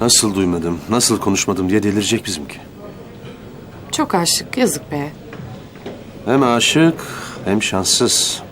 Nasıl duymadım, nasıl konuşmadım diye delirecek bizimki. Çok aşık, yazık be. Hem aşık hem şanssız.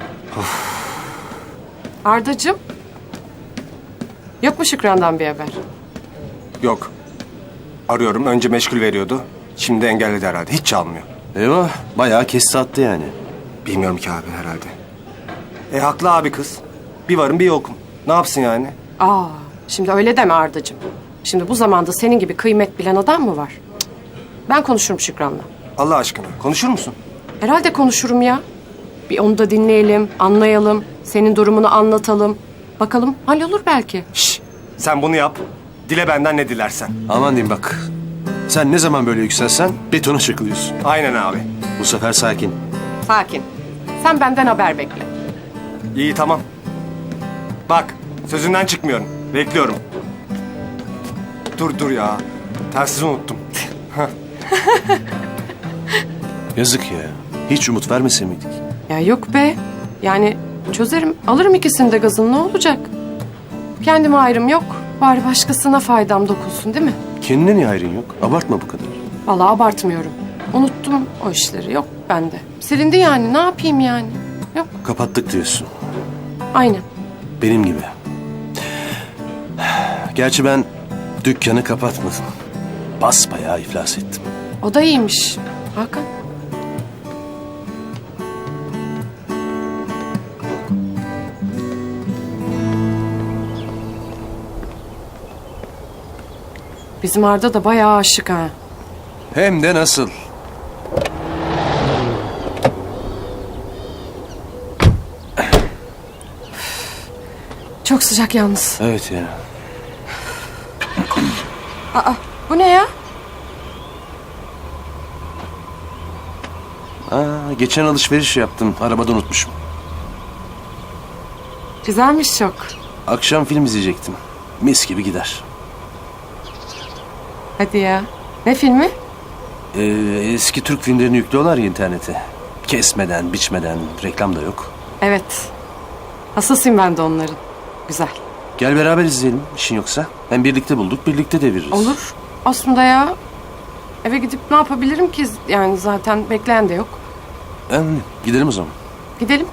Ardacığım. Yok mu Şükran'dan bir haber? Yok. Arıyorum. Önce meşgul veriyordu. Şimdi engelledi herhalde. Hiç çalmıyor. Eyvah, bayağı kesti attı yani. Bilmiyorum ki abi herhalde. Haklı abi kız. Bir varım bir yokum. Ne yapsın yani? Aa, şimdi öyle deme Ardacığım. Şimdi bu zamanda senin gibi kıymet bilen adam mı var? Cık. Ben konuşurum Şükran'la. Allah aşkına. Konuşur musun? Herhalde konuşurum ya. Bir onu da dinleyelim, anlayalım. Senin durumunu anlatalım. Bakalım hallolur belki. Şşş. Sen bunu yap. Dile benden ne dilersen. Aman diyeyim bak. Sen ne zaman böyle yükselsen betona çakılıyorsun. Aynen abi. Bu sefer sakin. Sakin. Sen benden haber bekle. İyi tamam. Bak. Sözünden çıkmıyorum. Bekliyorum. Dur ya. Telsizi unuttum. Yazık ya. Hiç umut vermese miydik? Ya yok be. Yani çözerim, alırım ikisini de gazını, ne olacak? Kendime ayrım yok. Bari başkasına faydam dokunsun değil mi? Kendine niye hayrın yok? Abartma bu kadar. Vallahi abartmıyorum. Unuttum o işleri. Yok bende. Silindi yani. Ne yapayım yani? Yok. Kapattık diyorsun. Aynen. Benim gibi. Gerçi ben dükkanı kapatmadım. Basbayağı iflas ettim. O da iyiymiş. Hakan. Bizim Arda da bayağı aşık ha. Hem de nasıl? Çok sıcak yalnız. Evet ya. Bu ne ya? Geçen alışveriş yaptım. Arabada unutmuşum. Güzelmiş çok. Akşam film izleyecektim. Mis gibi gider. Hadi ya. Ne filmi? Eski Türk filmlerini yüklüyorlar ya internete. Kesmeden, biçmeden, reklam da yok. Evet. Hassasıyım ben de onların. Güzel. Gel beraber izleyelim işin yoksa. Hem birlikte bulduk, birlikte deviririz. Olur. Aslında ya. Eve gidip ne yapabilirim ki? Yani zaten bekleyen de yok. Gidelim o zaman. Gidelim.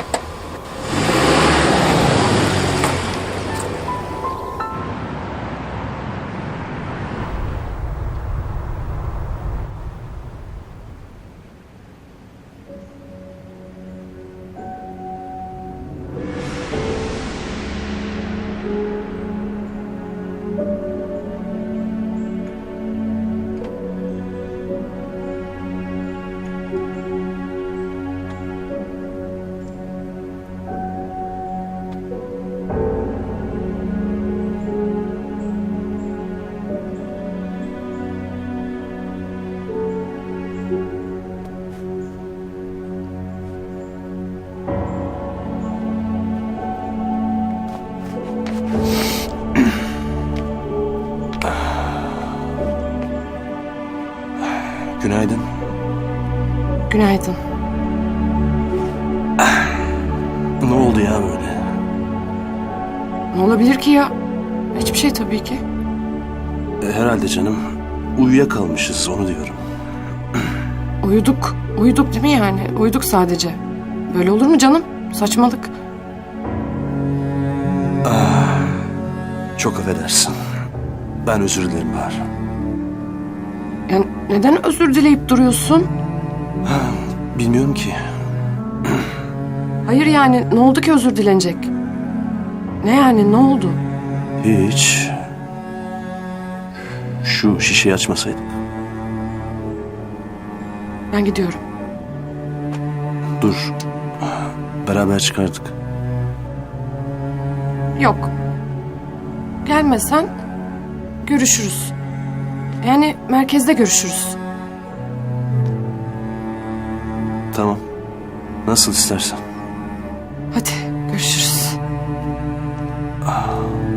Günaydın. Günaydın. Ne oldu ya böyle? Ne olabilir ki ya? Hiçbir şey tabii ki. Herhalde canım. Uyuyakalmışız onu diyorum. Uyuduk. Uyuduk değil mi yani? Uyuduk sadece. Böyle olur mu canım? Saçmalık. Çok affedersin. Ben özür dilerim Bahar. Yani neden özür dileyip duruyorsun? Bilmiyorum ki. Hayır yani ne oldu ki özür dilenecek? Ne yani ne oldu? Hiç. Şu şişeyi açmasaydık. Ben gidiyorum. Dur. Beraber çıkardık. Yok. Gelmesen görüşürüz. Yani merkezde görüşürüz. Tamam. Nasıl istersen. Hadi görüşürüz.